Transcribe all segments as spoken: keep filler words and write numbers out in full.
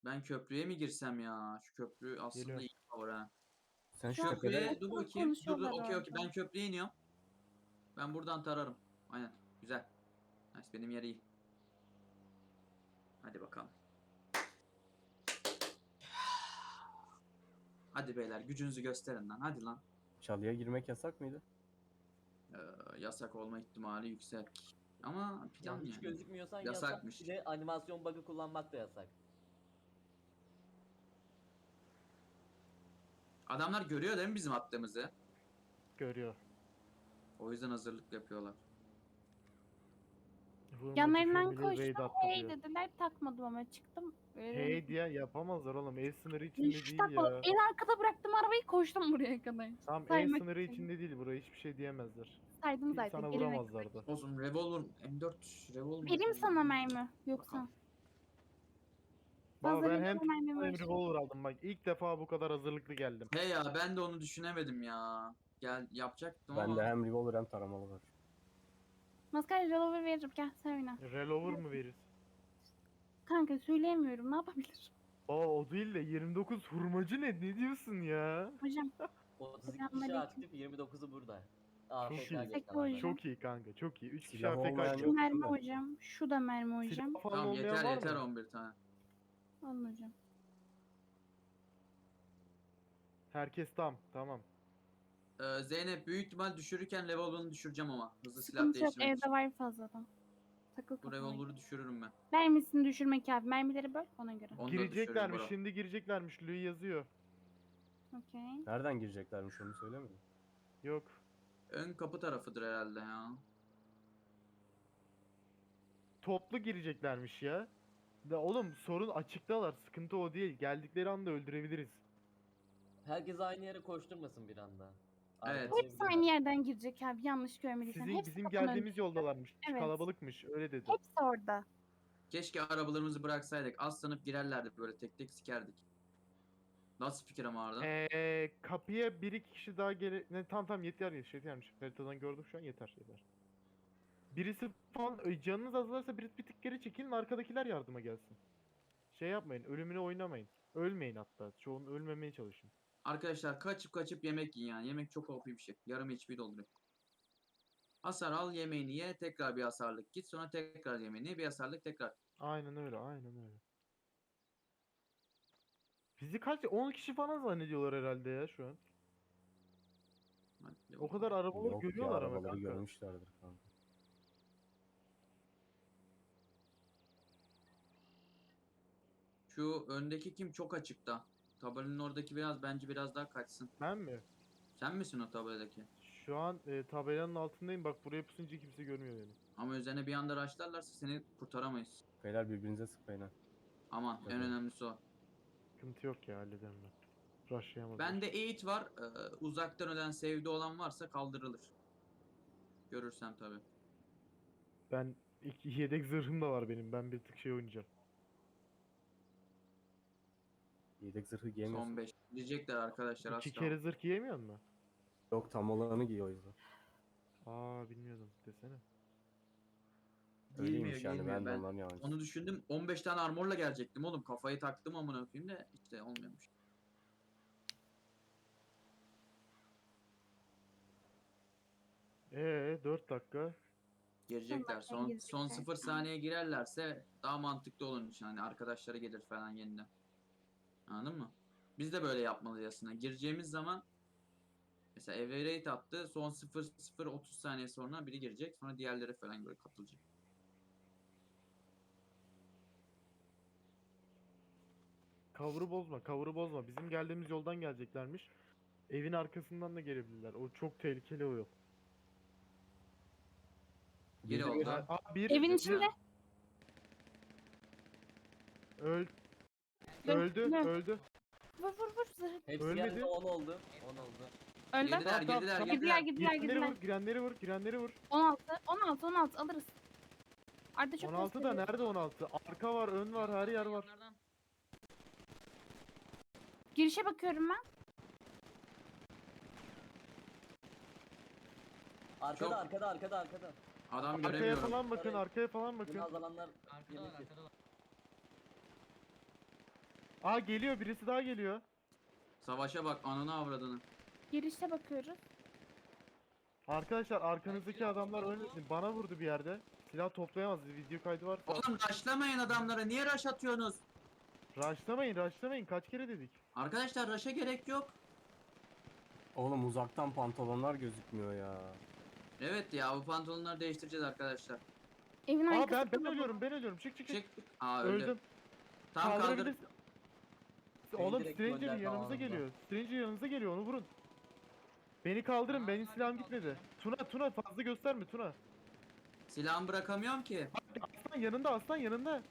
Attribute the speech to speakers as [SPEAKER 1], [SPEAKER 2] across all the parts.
[SPEAKER 1] Ben köprüye mi girsem ya? Şu köprü aslında
[SPEAKER 2] Geliyorum.
[SPEAKER 1] iyi cover ha.
[SPEAKER 3] Sen şu
[SPEAKER 4] Şu an
[SPEAKER 3] tepede
[SPEAKER 1] Köprüye dur
[SPEAKER 4] çok
[SPEAKER 1] bakayım. Dur dur
[SPEAKER 4] konuşuyorlar
[SPEAKER 1] okey okey.
[SPEAKER 4] orada.
[SPEAKER 1] Ben köprüye iniyorum. Ben buradan tararım. Aynen. Güzel. Nice, benim yer iyi. Hadi bakalım. Hadi beyler gücünüzü gösterin lan. Hadi lan.
[SPEAKER 3] çalıya girmek yasak mıydı?
[SPEAKER 1] Ee, yasak olma ihtimali yüksek. Ama plan
[SPEAKER 5] Yani hiç
[SPEAKER 1] yani.
[SPEAKER 5] gözükmüyorsan
[SPEAKER 1] Yasakmış.
[SPEAKER 5] yasak. Bir de animasyon bug'ı kullanmak da yasak.
[SPEAKER 1] Adamlar görüyor değil mi bizim attığımızı?
[SPEAKER 2] Görüyor.
[SPEAKER 1] O yüzden hazırlık yapıyorlar.
[SPEAKER 2] Vurma
[SPEAKER 4] Yanlarından
[SPEAKER 2] düşürmeli raid
[SPEAKER 4] koştum.
[SPEAKER 2] attı
[SPEAKER 4] Hey
[SPEAKER 2] diyor.
[SPEAKER 4] dediler, takmadım ama çıktım. Öyle
[SPEAKER 2] Hey diye yapamazlar oğlum. El sınırı içinde
[SPEAKER 4] Hiç
[SPEAKER 2] değil
[SPEAKER 4] takmadım.
[SPEAKER 2] ya.
[SPEAKER 4] En arkada bıraktım arabayı, koştum buraya kadar.
[SPEAKER 2] Tam el
[SPEAKER 4] saymak
[SPEAKER 2] sınırı
[SPEAKER 4] için.
[SPEAKER 2] içinde değil. Buraya hiçbir şey diyemezler.
[SPEAKER 4] Saydım
[SPEAKER 2] Bir
[SPEAKER 4] zaten.
[SPEAKER 2] sana
[SPEAKER 4] gelene
[SPEAKER 2] vuramazlar da.
[SPEAKER 1] Olsun revolver M dört revolver.
[SPEAKER 4] Vereyim sana mermi. Yoksa.
[SPEAKER 1] Bakalım.
[SPEAKER 2] Bak
[SPEAKER 4] Fazla
[SPEAKER 2] ben hem
[SPEAKER 4] revolver mermi
[SPEAKER 2] hem
[SPEAKER 4] var.
[SPEAKER 2] revolver aldım bak. İlk defa bu kadar hazırlıklı geldim.
[SPEAKER 1] He ya ben de onu düşünemedim ya. Gel yapacaktım ama.
[SPEAKER 3] Bende hem revolver hem taramalı var.
[SPEAKER 4] Maskara revolver veririm. Gel sen oyna.
[SPEAKER 2] Revolver mı verir?
[SPEAKER 4] Kanka söyleyemiyorum. Ne yapabilirim?
[SPEAKER 2] Aa o değil de yirmi dokuz hurmacı ne? Ne diyorsun ya?
[SPEAKER 4] Hocam.
[SPEAKER 5] otuz iki kişi
[SPEAKER 4] Selamünaleyküm.
[SPEAKER 5] aktif, yirmi dokuzu burada. A F K
[SPEAKER 2] iyi.
[SPEAKER 5] geçen
[SPEAKER 4] Peki
[SPEAKER 5] adamlar.
[SPEAKER 4] hocam.
[SPEAKER 2] Çok iyi kanka çok iyi. üç kişi
[SPEAKER 3] Silah
[SPEAKER 2] A F K
[SPEAKER 3] olmayan
[SPEAKER 4] Şu
[SPEAKER 3] yok.
[SPEAKER 4] mermi
[SPEAKER 3] değil mi?
[SPEAKER 4] hocam. Şu da mermi hocam.
[SPEAKER 2] Silah falan
[SPEAKER 1] Tamam
[SPEAKER 2] olmayan
[SPEAKER 1] yeter
[SPEAKER 2] var
[SPEAKER 1] yeter
[SPEAKER 2] mı?
[SPEAKER 1] on bir tane.
[SPEAKER 4] Alın hocam.
[SPEAKER 2] Herkes tam tamam.
[SPEAKER 1] Ee, Zeynep büyük ihtimal düşürürken revolver'ını düşüreceğim ama. Hızlı silah
[SPEAKER 4] Sıkıntı yok.
[SPEAKER 1] değiştirmek için.
[SPEAKER 4] Evde var fazladan. Takıl
[SPEAKER 1] Bu
[SPEAKER 4] kafana.
[SPEAKER 1] revolver'ı düşürürüm ben.
[SPEAKER 4] Mermisini düşürmek abi. Mermileri böl ona göre.
[SPEAKER 1] Onu da
[SPEAKER 2] Gireceklermiş
[SPEAKER 1] düşürürüm bro.
[SPEAKER 2] şimdi gireceklermiş. Louis yazıyor.
[SPEAKER 4] Okey.
[SPEAKER 3] Nereden gireceklermiş onu söylemedin.
[SPEAKER 2] Yok.
[SPEAKER 1] Ön kapı tarafıdır herhalde ya.
[SPEAKER 2] Toplu gireceklermiş ya. Da oğlum sorun açıktalar. Sıkıntı o değil. Geldikleri anda öldürebiliriz.
[SPEAKER 5] Herkes aynı yere koşturmasın bir anda.
[SPEAKER 1] Evet.
[SPEAKER 5] Arkalayabilirler.
[SPEAKER 4] Hepsi aynı yerden girecek abi. Yanlış görmediysen.
[SPEAKER 2] Sizin
[SPEAKER 4] Hepsi
[SPEAKER 2] bizim
[SPEAKER 4] kapının
[SPEAKER 2] geldiğimiz
[SPEAKER 4] önünde.
[SPEAKER 2] yoldalarmış.
[SPEAKER 4] Evet.
[SPEAKER 2] Kalabalıkmış öyle dedi.
[SPEAKER 4] Hepsi orada.
[SPEAKER 1] Keşke arabalarımızı bıraksaydık. Aslanıp girerlerdi böyle tek tek sikerdik. Nasıl fikir ama Arda?
[SPEAKER 2] Ee, kapıya bir iki kişi daha gele... Ne, tamam tamam yeter yetermiş. Haritadan gördüm şu an yeter yeter. Birisi falan ö, canınız azlarsa bir, bir tık geri çekilin arkadakiler yardıma gelsin. Şey yapmayın ölümüne oynamayın. Ölmeyin hatta. Çoğun ölmemeye çalışın.
[SPEAKER 1] Arkadaşlar kaçıp kaçıp yemek yiyin yani. Yemek çok O P bir şey. Yarım H P dolduruyor. Hasar al yemeğini ye. Tekrar bir hasarlık git. Sonra tekrar yemeğini ye. Bir hasarlık tekrar.
[SPEAKER 2] Aynen öyle aynen öyle. Bizi kaç on kişi falan zannediyorlar herhalde ya şu an.
[SPEAKER 1] Hadi
[SPEAKER 2] O kadar arabaları
[SPEAKER 3] Yok ya
[SPEAKER 2] görüyorlar ama
[SPEAKER 3] arabaları
[SPEAKER 2] kanka.
[SPEAKER 3] görmüşlerdir kanka.
[SPEAKER 1] Şu öndeki kim çok açıkta. Tabelanın oradaki biraz bence biraz daha kaçsın.
[SPEAKER 2] Ben mi?
[SPEAKER 1] Sen misin o tabeladaki?
[SPEAKER 2] Şu an e, tabelanın altındayım bak buraya pusunca kimse görmüyor beni.
[SPEAKER 1] Ama üzerine bir anda raşlarlarsa seni kurtaramayız.
[SPEAKER 3] Beyler birbirinize sıkmayın ha.
[SPEAKER 1] Aman en
[SPEAKER 3] Tabii.
[SPEAKER 1] önemlisi o.
[SPEAKER 2] Sıkıntı yok ya hallederim ben. Rushlayamaz.
[SPEAKER 1] Bende eğit var. Ee, uzaktan ölen sevdi olan varsa kaldırılır. Görürsem tabi.
[SPEAKER 2] Ben iki yedek zırhım da var benim. Ben bir tık şey oynayacağım.
[SPEAKER 3] Yedek zırhı giyemiyorsun.
[SPEAKER 1] Son beş. Diyecekler arkadaşlar
[SPEAKER 2] İki
[SPEAKER 1] asla.
[SPEAKER 2] kere zırh giyemiyor mu?
[SPEAKER 3] Yok tam olanı giy o yüzden.
[SPEAKER 2] Aa bilmiyordum desene.
[SPEAKER 1] Giymiyor,
[SPEAKER 3] Öyleymiş yani
[SPEAKER 1] giymiyor.
[SPEAKER 3] ben de
[SPEAKER 1] Ben
[SPEAKER 3] onların yalancısı.
[SPEAKER 1] onu düşündüm. on beş tane armorla gelecektim oğlum. Kafayı taktım amına koyayım da işte olmuyormuş.
[SPEAKER 2] Ee dört dakika.
[SPEAKER 1] Girecekler.
[SPEAKER 4] Son
[SPEAKER 1] Son
[SPEAKER 4] girecekler.
[SPEAKER 1] son sıfır saniye girerlerse daha mantıklı olur için hani arkadaşları gelir falan yeniden. Anladın mı? Biz de böyle yapmalıyız aslında. Gireceğimiz zaman mesela Everate attı. Son sıfır sıfır otuz saniye sonra biri girecek. Sonra diğerleri falan böyle katılacak.
[SPEAKER 2] Cover'ı bozma, cover'ı bozma. Bizim geldiğimiz yoldan geleceklermiş. Evin arkasından da gelebilirler. O çok tehlikeli o yol.
[SPEAKER 1] Biri
[SPEAKER 3] Biri-
[SPEAKER 1] oldu.
[SPEAKER 2] Aa bir.
[SPEAKER 4] Evin
[SPEAKER 2] bir-
[SPEAKER 4] içinde.
[SPEAKER 2] Öl,
[SPEAKER 4] Dur,
[SPEAKER 2] öldü,
[SPEAKER 4] dur.
[SPEAKER 2] öldü.
[SPEAKER 4] Vur vur vur. Zırh.
[SPEAKER 5] Hepsi
[SPEAKER 2] Ölmedi.
[SPEAKER 5] geldi on oldu. on oldu.
[SPEAKER 4] Öldü.
[SPEAKER 1] Girdiler,
[SPEAKER 2] Tamam, tamam,
[SPEAKER 1] girdiler,
[SPEAKER 2] tamam.
[SPEAKER 4] Gidiler
[SPEAKER 1] girdiler.
[SPEAKER 4] gidiler
[SPEAKER 2] Girenleri
[SPEAKER 4] gidiler.
[SPEAKER 2] vur, girenleri vur, girenleri vur.
[SPEAKER 4] on altı on altı on altı alırız. Arda çok
[SPEAKER 2] on altı da
[SPEAKER 4] gösteriyor.
[SPEAKER 2] nerede on altı? Arka var, ön var, her yer var.
[SPEAKER 4] Girişe bakıyorum ben.
[SPEAKER 5] Arkada
[SPEAKER 1] Çok-
[SPEAKER 5] arkada arkada arkada.
[SPEAKER 1] Adam
[SPEAKER 2] Arkaya
[SPEAKER 1] göremiyorum.
[SPEAKER 2] falan bakın, arkaya falan
[SPEAKER 5] Bunu
[SPEAKER 2] bakın.
[SPEAKER 5] azalanlar
[SPEAKER 6] Arkada var
[SPEAKER 5] yemek
[SPEAKER 6] arkada var.
[SPEAKER 2] Aa geliyor, birisi daha geliyor.
[SPEAKER 1] Savaşa bak ananı avradını.
[SPEAKER 4] Girişte bakıyoruz.
[SPEAKER 2] Arkadaşlar arkanızdaki adamlar ölmesin. Bana vurdu bir yerde. Silah toplayamaz. Video kaydı varsa.
[SPEAKER 1] Oğlum rushlamayın adamlara. Niye rush atıyorsunuz?
[SPEAKER 2] Rushlamayın, rushlamayın. Kaç kere dedik.
[SPEAKER 1] Arkadaşlar rush'a gerek yok.
[SPEAKER 3] Oğlum uzaktan pantolonlar gözükmüyor ya.
[SPEAKER 1] Evet ya bu pantolonları değiştireceğiz arkadaşlar.
[SPEAKER 4] Evin
[SPEAKER 2] Aa
[SPEAKER 4] arkası.
[SPEAKER 2] ben ben
[SPEAKER 4] kalabalık.
[SPEAKER 2] ölüyorum, ben ölüyorum. Çık çık çık.
[SPEAKER 1] Çık. Aa öldü.
[SPEAKER 2] Öldüm.
[SPEAKER 1] Tam kaldır.
[SPEAKER 2] Kaldırabilirsin. Oğlum
[SPEAKER 5] direkt
[SPEAKER 2] Stranger
[SPEAKER 5] gönderdi
[SPEAKER 2] yanımıza
[SPEAKER 5] anında.
[SPEAKER 2] geliyor. Stranger yanımıza geliyor, onu vurun. Beni kaldırın, benim silahım gitmedi. Tuna Tuna fazla gösterme Tuna.
[SPEAKER 1] Silahımı bırakamıyorum ki.
[SPEAKER 2] Aslan yanında, aslan yanında.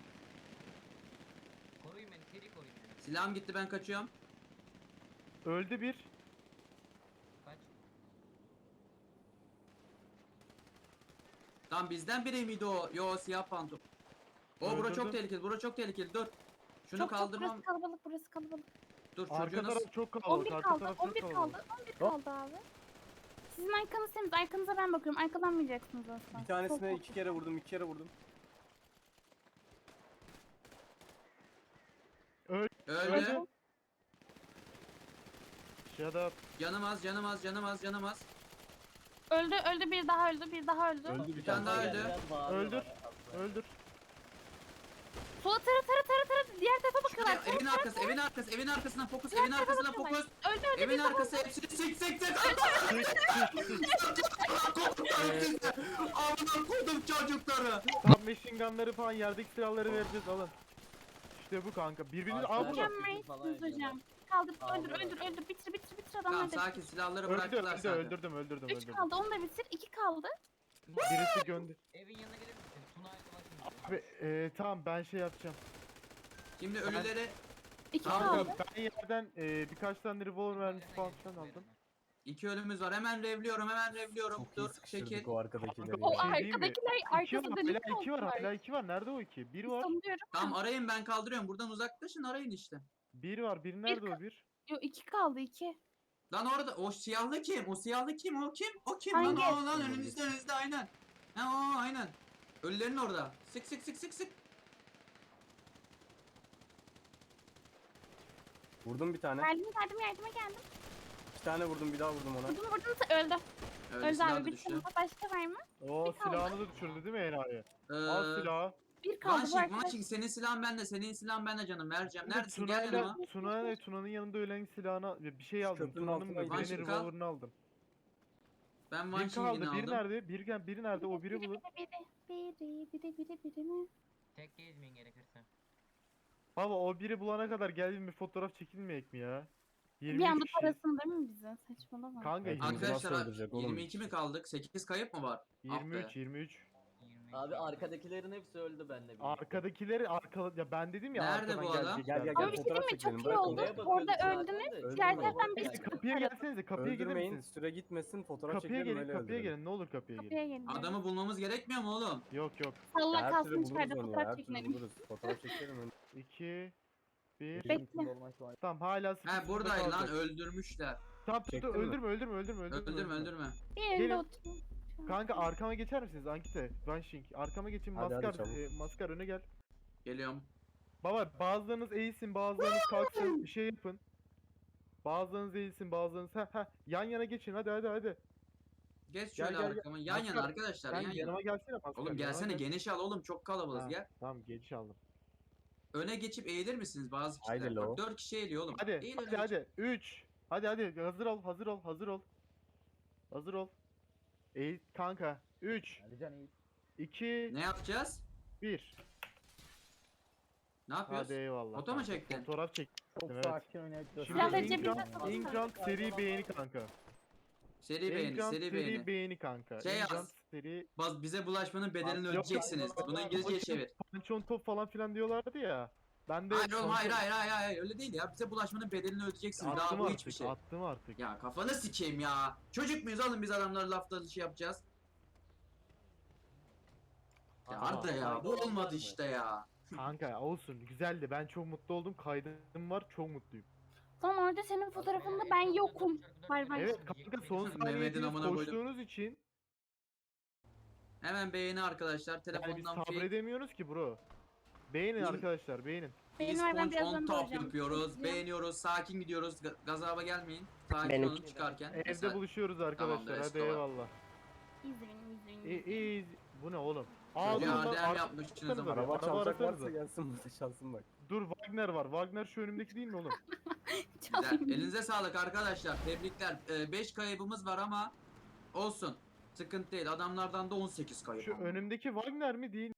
[SPEAKER 6] Koruyun beni, seri koruyun beni.
[SPEAKER 1] Silahım gitti ben kaçıyorum.
[SPEAKER 2] Öldü bir.
[SPEAKER 6] Kaç.
[SPEAKER 1] Tam bizden biri miydi o? Yo siyah pantolon. O bura çok
[SPEAKER 2] Öldürdüm.
[SPEAKER 1] tehlikeli. Bura çok tehlikeli. Dur. Şunu
[SPEAKER 4] Çok çok
[SPEAKER 1] kaldırmam.
[SPEAKER 4] burası kalabalık, burası kalabalık.
[SPEAKER 1] Dur
[SPEAKER 2] Arka
[SPEAKER 1] çocuğu nasıl?
[SPEAKER 2] taraf çok
[SPEAKER 4] on
[SPEAKER 2] kalabalık,
[SPEAKER 4] bir
[SPEAKER 2] arka
[SPEAKER 4] kaldı,
[SPEAKER 2] taraf
[SPEAKER 4] on
[SPEAKER 2] çok
[SPEAKER 4] bir
[SPEAKER 2] kalabalık.
[SPEAKER 4] kaldı, on bir kaldı abi. Sizin arkanız temiz, arkanıza ben bakıyorum. Arkalanmayacaksınız asla.
[SPEAKER 3] Bir tanesine
[SPEAKER 4] Çok-
[SPEAKER 3] iki kere vurdum, iki kere vurdum.
[SPEAKER 1] Öldü.
[SPEAKER 2] Öldü. Shut up.
[SPEAKER 1] Canım az, canım az, canım az, canım az.
[SPEAKER 4] Öldü, öldü, bir daha öldü, bir daha öldü.
[SPEAKER 3] Öldü bir
[SPEAKER 1] Bir tane
[SPEAKER 3] tane.
[SPEAKER 1] daha
[SPEAKER 5] Biraz
[SPEAKER 1] öldü.
[SPEAKER 5] biraz bağırıyorlar
[SPEAKER 2] Öldür.
[SPEAKER 5] aslında.
[SPEAKER 2] Öldür.
[SPEAKER 4] Sola tara tara tara tara, diğer tarafa bakıyorlar.
[SPEAKER 1] Şuraya, evin arkası, evin arkası, evin arkasına fokus, evin arkasına fokus.
[SPEAKER 4] Öldü öldü,
[SPEAKER 1] Evin
[SPEAKER 4] bir daha
[SPEAKER 1] arkası hepsini sik sik sik. Amına koydum çocukları.
[SPEAKER 2] Submachine gunları falan, yerdeki silahları vereceğiz, alın. İşte bu kanka. Birbirini
[SPEAKER 5] Arkadaşlar-
[SPEAKER 2] aa burada.
[SPEAKER 4] Mükemmelsiniz hocam. Kaldır,
[SPEAKER 5] Aa,
[SPEAKER 4] öldür,
[SPEAKER 5] burada.
[SPEAKER 4] öldür, öldür, bitir, bitir, bitir
[SPEAKER 1] Tamam
[SPEAKER 4] adamları da
[SPEAKER 1] sakin
[SPEAKER 4] bitir.
[SPEAKER 1] silahları
[SPEAKER 2] Öldü,
[SPEAKER 1] bıraktılar
[SPEAKER 2] öldü,
[SPEAKER 1] zaten.
[SPEAKER 2] öldürdüm, öldürdüm,
[SPEAKER 4] Üç
[SPEAKER 2] öldürdüm.
[SPEAKER 4] kaldı, onu da bitir, iki kaldı.
[SPEAKER 2] Birisi göndü.
[SPEAKER 6] Evin yanına gelir misin? Tuna arkadaşım.
[SPEAKER 2] Abi e, tamam ben şey yapacağım.
[SPEAKER 1] Şimdi ölüleri
[SPEAKER 4] İki
[SPEAKER 1] Tamam.
[SPEAKER 4] kaldı.
[SPEAKER 2] Kanka ben yerden e, birkaç tane revolver mermisi falan filan aldım.
[SPEAKER 1] iki ölümümüz var. Hemen revliyorum, hemen revliyorum.
[SPEAKER 3] Çok iyi
[SPEAKER 1] Dur
[SPEAKER 3] sıkıştırdık
[SPEAKER 1] çekil.
[SPEAKER 3] o arkadakileri
[SPEAKER 4] O
[SPEAKER 2] Bir şey
[SPEAKER 3] ya.
[SPEAKER 2] diyeyim mi?
[SPEAKER 4] arkadakiler
[SPEAKER 2] İki var,
[SPEAKER 4] arkası dönük
[SPEAKER 2] hala iki var,
[SPEAKER 4] oldular.
[SPEAKER 2] hala iki var. Nerede o iki? Bir var.
[SPEAKER 4] Sanıyorum.
[SPEAKER 1] Tamam arayın ben kaldırıyorum. Buradan uzaklaşın arayın işte.
[SPEAKER 2] Bir var. Bir nerede o bir?
[SPEAKER 4] Yok iki kaldı, iki.
[SPEAKER 1] Lan orada o siyahlı kim? O siyahlı kim? O kim? O kim? Lan
[SPEAKER 4] Hangi?
[SPEAKER 1] o lan önünüzde önünüzde aynen. Ha o aynen. Ölülerin orada. Sık sık sık sık sık.
[SPEAKER 3] Vurdum bir tane.
[SPEAKER 4] Geldim, yardım, yardıma geldim.
[SPEAKER 3] İki tane vurdum, bir daha vurdum ona.
[SPEAKER 4] Vurdum, vurdum, öldü.
[SPEAKER 1] Öldü,
[SPEAKER 4] Öldü
[SPEAKER 1] silah
[SPEAKER 4] abi,
[SPEAKER 1] da
[SPEAKER 4] bir
[SPEAKER 1] düştü.
[SPEAKER 4] tane başka var mı?
[SPEAKER 2] O
[SPEAKER 4] Bir kaldı.
[SPEAKER 2] silahını da düşürdü değil mi enayi?
[SPEAKER 1] Ee,
[SPEAKER 2] Al silahı.
[SPEAKER 4] Bir kaldı bu
[SPEAKER 1] Vanşing,
[SPEAKER 4] arkadaş.
[SPEAKER 1] Vanşing senin silahın bende, senin silahın bende canım. Vereceğim.
[SPEAKER 2] Şimdi
[SPEAKER 1] Neredesin? Gel
[SPEAKER 2] Tuna'yla
[SPEAKER 1] yanıma.
[SPEAKER 2] Tuna'yla Tuna'nın yanında ölen silahını bir şey aldım.
[SPEAKER 3] Köprünün
[SPEAKER 2] Tuna'nın
[SPEAKER 3] altına
[SPEAKER 2] mı?
[SPEAKER 3] gidiyor.
[SPEAKER 2] Birinin
[SPEAKER 1] Vanşing al.
[SPEAKER 2] revolver'ını aldım.
[SPEAKER 1] Ben
[SPEAKER 2] Bir
[SPEAKER 1] Vanşing'ini
[SPEAKER 2] kaldı. Biri
[SPEAKER 1] aldım.
[SPEAKER 2] nerede? Bir gel, biri nerede? O biri bulun.
[SPEAKER 4] Biri, biri, biri, biri, biri, biri mi?
[SPEAKER 6] Tek gezmeyin gerekirse.
[SPEAKER 2] Baba o biri bulana kadar gel bir fotoğraf çekilmeyek mi ya?
[SPEAKER 4] Bir
[SPEAKER 2] yirmi üç
[SPEAKER 4] anda
[SPEAKER 2] kişi.
[SPEAKER 4] parasını değil mi bize? Saçmalama.
[SPEAKER 2] Kanka
[SPEAKER 3] Evet,
[SPEAKER 2] yirmi-
[SPEAKER 3] bizi nasıl
[SPEAKER 1] Arkadaşlar
[SPEAKER 3] öldürecek oğlum?
[SPEAKER 1] yirmi iki mi kaldık? sekiz kayıp mı var? Ah
[SPEAKER 2] yirmi üç
[SPEAKER 1] be.
[SPEAKER 2] yirmi üç.
[SPEAKER 6] yirmi
[SPEAKER 5] Abi
[SPEAKER 6] iki.
[SPEAKER 5] arkadakilerin hepsi öldü benle birlikte.
[SPEAKER 2] Arkadakileri arka ya ben dedim ya
[SPEAKER 1] Nerede
[SPEAKER 2] arkadan
[SPEAKER 1] bu adam?
[SPEAKER 2] gelecekler.
[SPEAKER 3] Gel, gel,
[SPEAKER 4] Ama
[SPEAKER 3] gel.
[SPEAKER 4] bir şey
[SPEAKER 3] fotoğraf
[SPEAKER 4] değil mi? Çok
[SPEAKER 3] çekelim,
[SPEAKER 4] iyi
[SPEAKER 3] bırak
[SPEAKER 4] oldu.
[SPEAKER 5] Oraya bakıyorduk
[SPEAKER 4] Orada
[SPEAKER 5] zaten
[SPEAKER 4] öldünüz.
[SPEAKER 5] de.
[SPEAKER 4] Diğer
[SPEAKER 3] Öldürmeyin.
[SPEAKER 4] taraftan
[SPEAKER 2] Neyse,
[SPEAKER 4] birisi
[SPEAKER 2] kapıya gelsenize, kapıya gelir
[SPEAKER 3] Öldürmeyin,
[SPEAKER 2] misiniz?
[SPEAKER 3] süre gitmesin, fotoğraf
[SPEAKER 2] Kapıya
[SPEAKER 3] çekelim
[SPEAKER 2] gelin,
[SPEAKER 3] öyle
[SPEAKER 2] kapıya
[SPEAKER 3] öldürelim.
[SPEAKER 2] gelin. Ne olur kapıya gelin.
[SPEAKER 4] Kapıya gelin.
[SPEAKER 1] Adamı bulmamız gerekmiyor mu oğlum?
[SPEAKER 2] Yok yok.
[SPEAKER 4] Salla
[SPEAKER 3] Her
[SPEAKER 4] kalsın
[SPEAKER 3] türlü buluruz
[SPEAKER 4] içeride
[SPEAKER 3] onu ya,
[SPEAKER 4] fotoğraf
[SPEAKER 3] her türlü
[SPEAKER 4] çekinelim.
[SPEAKER 3] buluruz. Fotoğraf çekelim.
[SPEAKER 2] iki bir
[SPEAKER 4] Bekle.
[SPEAKER 2] Tamam hala sıkı
[SPEAKER 1] He
[SPEAKER 2] sıkı
[SPEAKER 1] buradaydı lan
[SPEAKER 2] kalacak.
[SPEAKER 1] öldürmüşler.
[SPEAKER 2] Tamam dur,
[SPEAKER 3] Çektin
[SPEAKER 2] dur,
[SPEAKER 3] mi?
[SPEAKER 2] öldürme öldürme öldürme öldürme.
[SPEAKER 1] Öldürme öldürme.
[SPEAKER 4] Bir yerinde
[SPEAKER 2] Gelin.
[SPEAKER 4] oturun.
[SPEAKER 2] Kanka arkama geçer misiniz Ankite? Vanşing. Arkama geçin,
[SPEAKER 3] Hadi, hadi,
[SPEAKER 2] maskar
[SPEAKER 3] çabuk.
[SPEAKER 2] e, maskar öne gel.
[SPEAKER 1] Geliyorum.
[SPEAKER 2] Baba bazılarınız eğilsin, bazılarınız kalksın. Bir şey yapın. Bazılarınız eğilsin, bazılarınız ha ha yan yana geçin. Hadi hadi hadi.
[SPEAKER 1] Geç
[SPEAKER 2] Gel,
[SPEAKER 1] şöyle
[SPEAKER 2] gel, gel.
[SPEAKER 1] arkama. Yan yana
[SPEAKER 2] Maskar,
[SPEAKER 1] arkadaşlar
[SPEAKER 2] Sen
[SPEAKER 1] yan yana.
[SPEAKER 2] yanıma gelsene maskar.
[SPEAKER 1] Oğlum
[SPEAKER 2] yanıma
[SPEAKER 1] gelsene
[SPEAKER 2] gel.
[SPEAKER 1] geniş al oğlum çok kalabalığız
[SPEAKER 2] Ha,
[SPEAKER 1] gel.
[SPEAKER 2] Tamam geçiş aldım.
[SPEAKER 1] Öne geçip eğilir misiniz bazı kişiler?
[SPEAKER 3] Haydi
[SPEAKER 1] Bak
[SPEAKER 3] lo.
[SPEAKER 1] dört kişi eğiliyor oğlum.
[SPEAKER 2] Hadi
[SPEAKER 1] Eğil öne
[SPEAKER 2] hadi
[SPEAKER 1] geç.
[SPEAKER 2] hadi. üç. Hadi hadi hazır ol, hazır ol, hazır ol. Hazır ol. Eğil kanka. üç iki
[SPEAKER 1] Ne yapacağız?
[SPEAKER 2] bir.
[SPEAKER 1] Ne yapıyoruz?
[SPEAKER 2] Hadi eyvallah.
[SPEAKER 1] Foto mu
[SPEAKER 2] kanka.
[SPEAKER 1] çektin?
[SPEAKER 2] Fotoğraf çektim. Evet. Şimdi
[SPEAKER 4] Silahları
[SPEAKER 2] Ingrant,
[SPEAKER 4] cebinde tutalım.
[SPEAKER 2] Ingrant seri beğeni kanka.
[SPEAKER 1] Seri beğeni,
[SPEAKER 2] Ingrant
[SPEAKER 1] seri
[SPEAKER 2] seri
[SPEAKER 1] beğeni.
[SPEAKER 2] beğeni kanka.
[SPEAKER 1] Şey yaz.
[SPEAKER 2] Ingrant seri
[SPEAKER 1] Baz bize bulaşmanın bedelini
[SPEAKER 2] Yok, yok.
[SPEAKER 1] ödeyeceksiniz. Bunu İngilizceye çevir.
[SPEAKER 2] Pançon top falan filan diyorlardı ya. Ben de
[SPEAKER 1] Hayır oğlum hayır
[SPEAKER 2] pançon-
[SPEAKER 1] hayır hayır hayır öyle değil ya. Bize bulaşmanın bedelini ödeyeceksiniz. Daha
[SPEAKER 2] Attım
[SPEAKER 1] bu
[SPEAKER 2] artık,
[SPEAKER 1] hiçbir şey.
[SPEAKER 2] attım artık.
[SPEAKER 1] Ya kafanı sikeyim ya. Çocuk muyuz oğlum biz adamları lafta şey yapacağız. Ya
[SPEAKER 5] Aa,
[SPEAKER 1] Arda ya bu
[SPEAKER 5] olmaz
[SPEAKER 1] olmadı
[SPEAKER 5] mı?
[SPEAKER 1] işte ya.
[SPEAKER 2] Kanka olsun, güzeldi. Ben çok mutlu oldum. Kaydım var, çok mutluyum.
[SPEAKER 4] Son orada senin fotoğrafında ben yokum. Var var.
[SPEAKER 2] Evet kanka son
[SPEAKER 1] Mehmet'in
[SPEAKER 2] saniye hepiniz
[SPEAKER 1] amına koydum.
[SPEAKER 2] koştuğunuz için
[SPEAKER 1] Hemen beğeni arkadaşlar.
[SPEAKER 2] yani biz
[SPEAKER 1] Telefondan şey.
[SPEAKER 2] sabredemiyoruz ki bro. Beğenin
[SPEAKER 1] İn-
[SPEAKER 2] arkadaşlar, beğenin.
[SPEAKER 4] Benim var, ben
[SPEAKER 1] İsponç
[SPEAKER 4] birazdan
[SPEAKER 1] on top
[SPEAKER 4] doğacağım.
[SPEAKER 1] yapıyoruz.
[SPEAKER 4] Bekliyorum.
[SPEAKER 1] Beğeniyoruz. Sakin gidiyoruz. Ga- Gazaba gelmeyin. Sakin
[SPEAKER 7] Benim-
[SPEAKER 1] olun çıkarken.
[SPEAKER 2] Evde
[SPEAKER 1] Mesela
[SPEAKER 2] buluşuyoruz arkadaşlar.
[SPEAKER 1] Tamamdır,
[SPEAKER 2] Hadi
[SPEAKER 1] Esko var.
[SPEAKER 2] eyvallah.
[SPEAKER 4] İzle beni, izle beni.
[SPEAKER 2] İyi,
[SPEAKER 4] izle beni.
[SPEAKER 2] iyi. Bu ne oğlum?
[SPEAKER 1] Çocuğa
[SPEAKER 2] Ağzından
[SPEAKER 1] A D M
[SPEAKER 2] ar-
[SPEAKER 1] yapmışsınız
[SPEAKER 2] arkanıza
[SPEAKER 1] ama.
[SPEAKER 2] bir
[SPEAKER 3] Araba
[SPEAKER 2] araba
[SPEAKER 3] çalacak
[SPEAKER 2] arasanıza.
[SPEAKER 3] varsa gelsin burada çalsın bak.
[SPEAKER 2] Dur, Wagner var. Wagner şu önümdeki değil mi oğlum?
[SPEAKER 1] Güzel.
[SPEAKER 4] Çalayım.
[SPEAKER 1] Elinize sağlık arkadaşlar. Tebrikler. beş kaybımız var ama olsun. Sıkıntı değil. Adamlardan da on sekiz kayıp.
[SPEAKER 2] Şu
[SPEAKER 1] ama.
[SPEAKER 2] önümdeki Wagner mi değil